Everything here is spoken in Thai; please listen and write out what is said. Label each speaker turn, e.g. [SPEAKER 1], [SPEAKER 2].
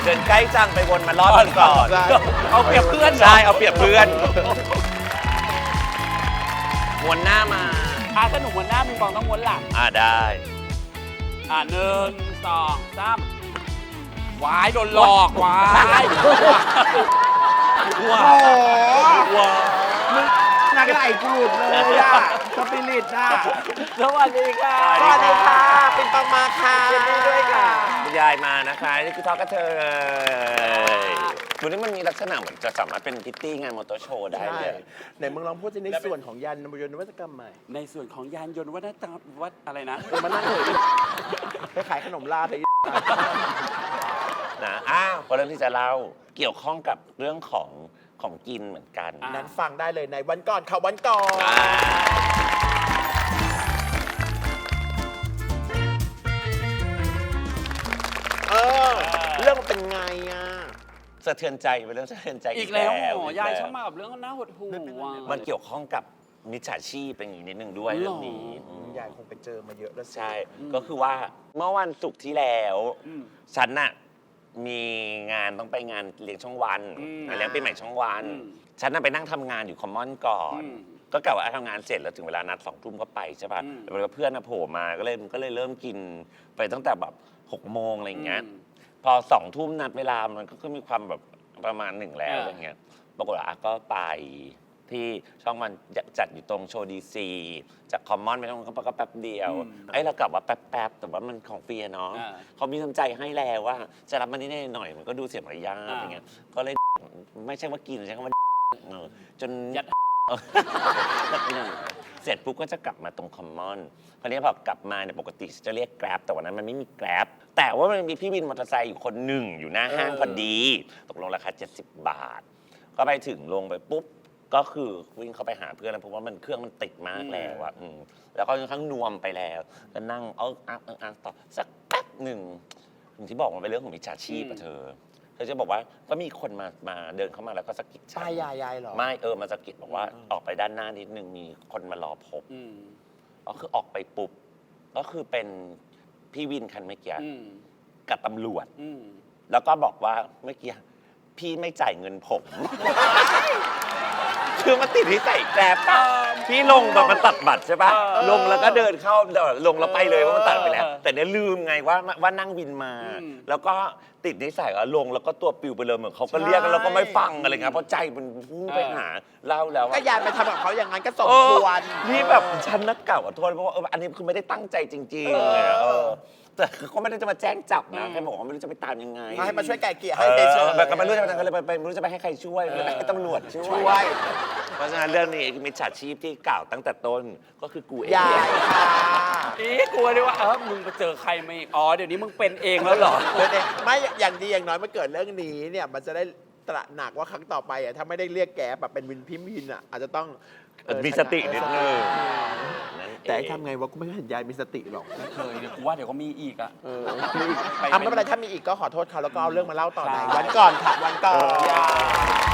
[SPEAKER 1] ดินใกล้จังไปวนมารอบก่อน
[SPEAKER 2] เอาเปรียบเพื่อน
[SPEAKER 1] ใช่เอาเปรียบเพื่อนม้วนหน้ามา
[SPEAKER 2] ถ้าหนุ่มม้วนหน้ามีฟองต้องม้วนหลัง
[SPEAKER 1] ได้
[SPEAKER 2] 1 2 3วายโดนหลอกวาย
[SPEAKER 1] ว้า
[SPEAKER 3] ว้านักไหลกูดเลยอ่ะสปิริตอ่ะ
[SPEAKER 2] สวัสดีค่ะ
[SPEAKER 3] สวัสดีค่ะเป็นปังมาค่ะ
[SPEAKER 2] ยินดีด้วยค่ะ
[SPEAKER 1] คุณยายมานะคะนี่คือทอกกระเทยวันนี้มันมีลักษณะเหมือนจะสามารถเป็นพิตตี้งานมอเตอร์โชว์ได้เลย
[SPEAKER 3] ไหนมึงลองพูดในส่วนของยานนวัตกรรมใหม่
[SPEAKER 2] ในส่วนของยานยนต์วัฒนธรรมวัดอะไรนะ
[SPEAKER 3] มันนั่งเลยไปขายขนมลาดเลย
[SPEAKER 1] นะเพราะเรื่องที่จะเล่าเกี่ยวข้องกับเรื่องของกินเหมือนกัน
[SPEAKER 3] นั้นฟังได้เลยในวันก่อนข่าววันก่อน เรื่องมันเป็นไงอ่ะ
[SPEAKER 1] สะเทือนใจเป็นเรื่องสะเทือนใจ
[SPEAKER 2] อีกแล้วหมอยายชอบมากับเรื่องน่าหดหู่
[SPEAKER 1] มันเกี่ยวข้องกับมิจฉาชีพเป็นอย่างนี้นิดนึงด้วยเรื่องนี้
[SPEAKER 3] ยายคงไปเจอมาเยอะแล้วสิ
[SPEAKER 1] ใช่ก็คือว่าเมื่อวันศุกร์ที่แล้วฉันน่ะมีงานต้องไปงานเลี้ยงช่องวันงานเลี้ยงปีใหม่ช่องวันฉันน่ะไปนั่งทำงานอยู่คอมมอนก่อนก็กะว่าทำงานเสร็จแล้วถึงเวลานัด2 ทุ่มก็ไปใช่ป่ะแล้วเพื่อนโผล่มาก็เลยเริ่มกินไปตั้งแต่แบบ6 โมงอะไรอย่างเงี้ยพอ2 ทุ่มนัดเวลามันก็มีความแบบประมาณ1แล้วอะไรเงี้ยปรากฏว่าก็ไปที่ช่องมันจัดอยู่ตรงโชว์ดีซีจากคอมมอนไปตรงก็แป๊บเดียวเรากลับว่าแป๊บแต่ว่ามันของฟรีเนาะเขามีน้ำใจให้แล้วว่าจะรับมันนิดหน่อยมันก็ดูเสียมารยาทอย่างเงี้ยก็เลยไม่ใช่ว่ากินใช่คำว่าจนยัดเสร็จปุ๊บก็จะกลับมาตรงคอมมอนคราวนี้พอกลับมาเนี่ยปกติจะเรียกแกร็บแต่วันนั้นมันไม่มีแกร็บแต่ว่ามันมีพี่วินมอเตอร์ไซค์อยู่คนหนึ่งอยู่หน้าห้างพอดีตกลงราคา70 บาทก็ไปถึงลงไปปุ๊บก็คือวิ่งเข้าไปหาเพื่อนแล้วเพราะว่ามันเครื่องมันติดมากแล้วอะแล้วก็ค่อนข้างนวมไปแล้วก็นั่งต่อสักแป๊บหนึ่งถึงที่บอกมันเป็นเรื่องของมิจฉาชีพอะเธอจะบอกว่าก็มีคนมาเดินเข้ามาแล้วก็สะกิดฉัน
[SPEAKER 3] ยายเหรอ
[SPEAKER 1] ไม่มาสะกิดบอกว่าออกไปด้านหน้านิดนึงมีคนมารอพบก็คือออกไปปุ๊บก็คือเป็นพี่วินคันเมื่อกี้กับตำรวจแล้วก็บอกว่าเมื่อกี้พี่ไม่จ่ายเงินผม คือมันติดที่ใส่แกร็บพี่ลงแบบมันตัดบัตรใช่ปะลงแล้วก็เดินเข้าลงแล้วไปเลยว่ามันตัดไปแล้วแต่เนี่ยลืมไงว่านั่งวินมาแล้วก็ติดนิสัยว่าลงแล้วก็ตัวปิวไปเลยเหมือนเขาก็เรียกแล้วก็ไม่ฟังอะไรเงี้ยเพราะใจมันพุ่งไปหาเล่าแล้ว
[SPEAKER 3] ก็ยายไปทำกับเขาอย่างนั้นก็สมควร
[SPEAKER 1] นี่แบบฉันนักเก่าขอโทษเพราะว่าอันนี้คือไม่ได้ตั้งใจจริงๆแต่เขาไม่ได้จะมาแจ้งจับนะแค่บอกว่าไม่รู้จะไปตามยังไง
[SPEAKER 3] ให้มาช่วยไก่เกลี่ยให้เฉยๆ
[SPEAKER 1] แบบก็ไม่รู้จะไปทำอะไรไม่รู้จะไปให้ใครช่วยเลยให้ตำรวจช่วย เพราะฉะนั้นเรื่องนี้มิจฉาชีพที่กล่าวตั้งแต่ต้นก็คือกูเอง
[SPEAKER 3] ยายค่ะ
[SPEAKER 2] กลัวดิว่ามึงไปเจอใครมาอีกเดี๋ยวนี้มึงเป็นเองแล้วเหรอ
[SPEAKER 3] ไม่อย่างดีอย่างน้อยเมื่อเกิดเรื่องนี้เนี่ยมันจะได้ตระหนักว่าครั้งต่อไปอ่ะถ้าไม่ได้เรียกแก๊ปแบบเป็นวินพิมพินอ่ะอาจจะต้อง
[SPEAKER 1] มีสตินิดนึง
[SPEAKER 3] แต่ทำไงวะกูไม่เห็นยายมีสติหรอก
[SPEAKER 2] เคยเนี่ยกูว่าเดี๋ยวก็มีอีกอ่ะ
[SPEAKER 3] ไม่เป็นไรถ้ามีอีกก็ขอโทษเขาแล้วก็เอาเรื่องมาเล่าต่อในวันก่อนค่ะวันก่อน